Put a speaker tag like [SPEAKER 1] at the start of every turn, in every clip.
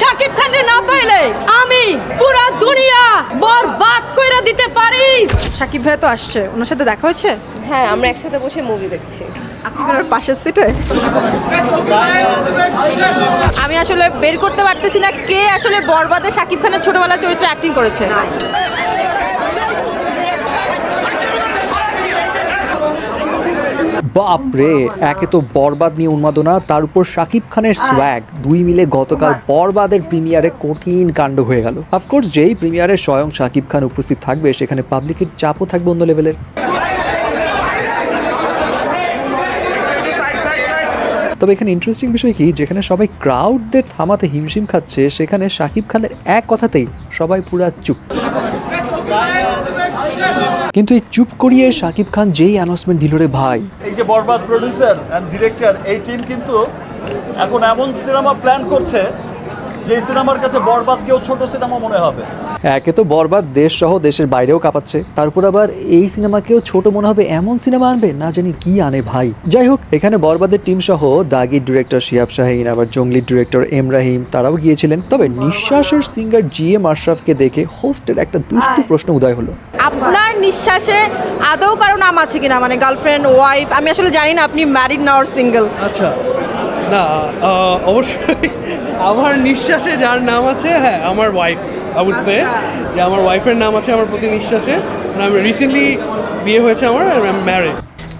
[SPEAKER 1] শাকিব খানকে না পাইলে আমি পুরা দুনিয়া বরবাদ কইরা দিতে পারি।
[SPEAKER 2] শাকিব ভাই তো আসছে, ওনার সাথে দেখা হয়েছে?
[SPEAKER 3] হ্যাঁ, আমরা একসাথে বসে মুভি দেখছি।
[SPEAKER 2] আপনি ওনার পাশের সিটে? আমি আসলে বের করতে পারতেছি না কে আসলে বরবাদে শাকিব খানের ছোটবেলা চরিত্রে অ্যাক্টিং করেছে।
[SPEAKER 4] বাপরে, একে তো বরবাদ নিয়ে উন্মাদনা, তার উপর শাকিব খানের সোয়াগ, দুই মিলে গতকাল বরবাদের প্রিমিয়ারে কঠিন কাণ্ড হয়ে গেল। অফকোর্স যেই প্রিমিয়ারে স্বয়ং শাকিব খান উপস্থিত থাকবে সেখানে পাবলিকের চাপও থাকবে অন্য লেভেলের। তবে এখানে ইন্টারেস্টিং বিষয় কি, যেখানে সবাই ক্রাউডদের থামাতে হিমশিম খাচ্ছে সেখানে শাকিব খানের এক কথাতেই সবাই পুরা চুপ। কিন্তু এই চুপ করিয়ে শাকিব খান যেই অ্যানাউন্সমেন্ট দিল রে ভাই,
[SPEAKER 5] এই যে বরবাদ প্রডিউসার অ্যান্ড ডিরেক্টর, এই টিম কিন্তু এখন এমন সিনেমা প্ল্যান করছে যে সিনেমার কাছে বরবাদকেও ছোট সিনেমা মনে হবে।
[SPEAKER 4] একে তো বরবাদ দেশ সহ দেশের বাইরেও কাঁপাচ্ছে, তারপর আবার এই সিনেমাকেও ছোট মনে হবে এমন সিনেমা আনবে, না জানি কি আনে ভাই। যাই হোক, এখানে বরবাদের টিম সহ দাগির ডিরেক্টর শিহাব শাহীন, আবার জঙ্গলির ডিরেক্টর এম রাহিম তারাও গিয়েছিলেন। তবে নিঃশ্বাসের সিঙ্গার GM আশরাফকে দেখে হোস্টের একটা দুষ্টু প্রশ্ন উদয় হলো।
[SPEAKER 2] আপনার নিঃশ্বাসে আদৌ কারো নাম আছে কিনা, মানে গার্লফ্রেন্ড, ওয়াইফ? আমি আসলে জানি না আপনি ম্যারিড না অর সিঙ্গেল।
[SPEAKER 6] আচ্ছা, না অবশ্যই আমার নিঃশ্বাসে যার নাম আছে, হ্যাঁ আমার ওয়াইফ, আই উড সে যে আমার ওয়াইফের নাম আছে আমার প্রতি নিঃশ্বাসে। আমি রিসেন্টলি বিয়ে হয়েছে আমার, ম্যারিড।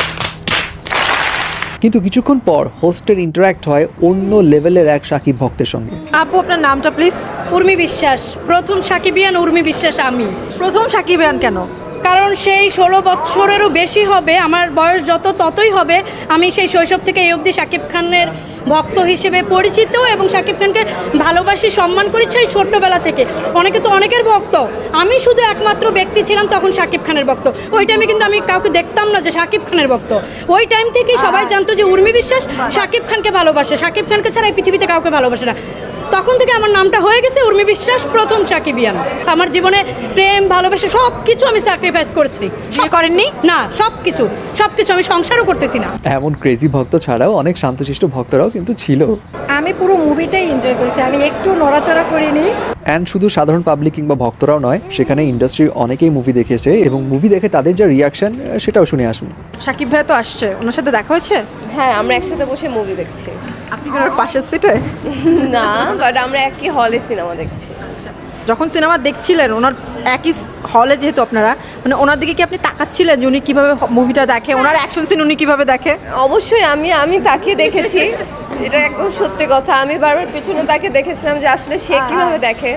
[SPEAKER 4] কিন্তু কিছুক্ষণ পর হোস্টের ইন্টারাক্ট হয় অন্য লেভেলের এক শাকিব ভক্তের সঙ্গে।
[SPEAKER 2] আপু আপনার নামটা প্লিজ?
[SPEAKER 1] উর্মি বিশ্বাস, প্রথম সাকিবিয়ান উর্মি বিশ্বাস আমি।
[SPEAKER 2] প্রথম সাকিবিয়ান কেন?
[SPEAKER 1] কারণ সেই 16 বছরেরও বেশি হবে, আমার বয়স যত ততই হবে। আমি সেই শৈশব থেকে এই অবধি শাকিব খানের ভক্ত হিসেবে পরিচিত এবং শাকিব খানকে ভালোবাসি, সম্মান করি সেই ছোট্টবেলা থেকে। অনেকে তো অনেকের ভক্ত, আমি শুধু একমাত্র ব্যক্তি ছিলাম তখন শাকিব খানের ভক্ত। ওই টাইমে কিন্তু আমি কাউকে দেখতাম না যে শাকিব খানের ভক্ত। ওই টাইম থেকেই সবাই জানতো যে উর্মি বিশ্বাস শাকিব খানকে ভালোবাসে, শাকিব খানকে ছাড়া এই পৃথিবীতে কাউকে ভালোবাসে না। তখন থেকে আমার নামটা হয়ে গেছে উর্মি বিশ্বাস, প্রথম সাকিবিয়ান। আমার জীবনে প্রেম, ভালোবাসা সব কিছু আমি স্যাক্রিফাইস করেছি।
[SPEAKER 2] বিয়ে করেননি?
[SPEAKER 1] না, সব কিছু আমি সংসারও করতেছি না।
[SPEAKER 4] এমন ক্রেজি ভক্ত ছাড়াও অনেক শান্তশিষ্ট ভক্তরাও কিন্তু ছিল।
[SPEAKER 1] আমি পুরো মুভিটাই এনজয় করেছি, আমি একটু নড়াচড়া করিনি।
[SPEAKER 4] অ্যান্ড শুধু সাধারণ পাবলিক কিংবা ভক্তরাও নয়, সেখানে ইন্ডাস্ট্রির অনেকেই মুভি দেখেছে এবং মুভি দেখে তাদের যা রিয়াকশন সেটাও শুনে আসুন।
[SPEAKER 2] শাকিব ভাই তো আসছে, ওনার সাথে দেখা হয়েছে?
[SPEAKER 3] হ্যাঁ, আমরা একসাথে বসে মুভি দেখছি।
[SPEAKER 2] আপনি কি ওনার পাশের সিটে?
[SPEAKER 3] না, বাট আমরা একই হলে সিনেমা দেখছি।
[SPEAKER 2] যখন সিনেমা দেখছিলেন ওনার একই হলে, যেহেতু আপনারা, মানে ওনার দিকে কি আপনি তাকাচ্ছিলেন যে উনি কিভাবে মুভিটা দেখে, ওনার অ্যাকশন সিন উনি কিভাবে দেখে?
[SPEAKER 3] অবশ্যই আমি তাকে দেখেছি, এটা একদম সত্যি কথা। আমি বারবার পিছনে তাকে দেখেছিলাম যে আসলে সে কিভাবে দেখে।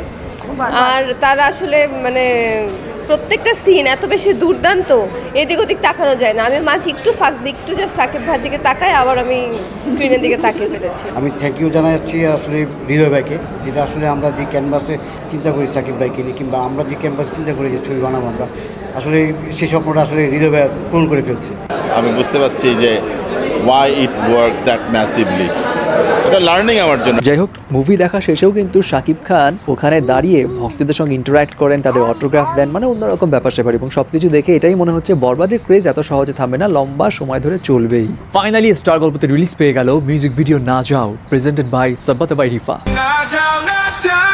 [SPEAKER 3] আর তারা আসলে মানে প্রত্যেকটা সিন এত বেশি দুর্দান্ত, এদিক ওদিক তাকানো যায় না। আমি মাঝে একটু ফাঁক দিই, একটু জাস্ট সাকিব ভাইয়ের দিকে তাকাই, আবার আমি স্ক্রিনের দিকে তাকিয়ে ফেলেছি।
[SPEAKER 7] আমি থ্যাংক ইউ জানাচ্ছি আসলে হৃদয় ভাইকে, যেটা আসলে আমরা যে ক্যানভাসে চিন্তা করি সাকিব ভাইকে নিয়ে, কিংবা আমরা যে ক্যানভাসে চিন্তা করি যে ছবি বানাবো আমরা, আসলে সেই স্বপ্নটা আসলে হৃদয় ভাই পূরণ করে ফেলছে।
[SPEAKER 8] আমি বুঝতে পারছি যে why it worked that massively. এটা লার্নিং আমার জন্য।
[SPEAKER 4] যাই হোক, মুভি দেখা শেষেও কিন্তু শাকিব খান ওখানে দাঁড়িয়ে ভক্তদের সঙ্গে ইন্টারাক্ট করেন, তাদের অটোগ্রাফ দেন, মানে অন্যরকম ব্যাপার স্যাপার। এবং সবকিছু দেখে এটাই মনে হচ্ছে বরবাদের ক্রেজ এত সহজে থামবে না, লম্বা সময় ধরে চলবেই। ফাইনালি স্টার গল্পতে রিলিজ পেয়ে গেল মিউজিক ভিডিও না যাও, presented by Sabbat by Rifa.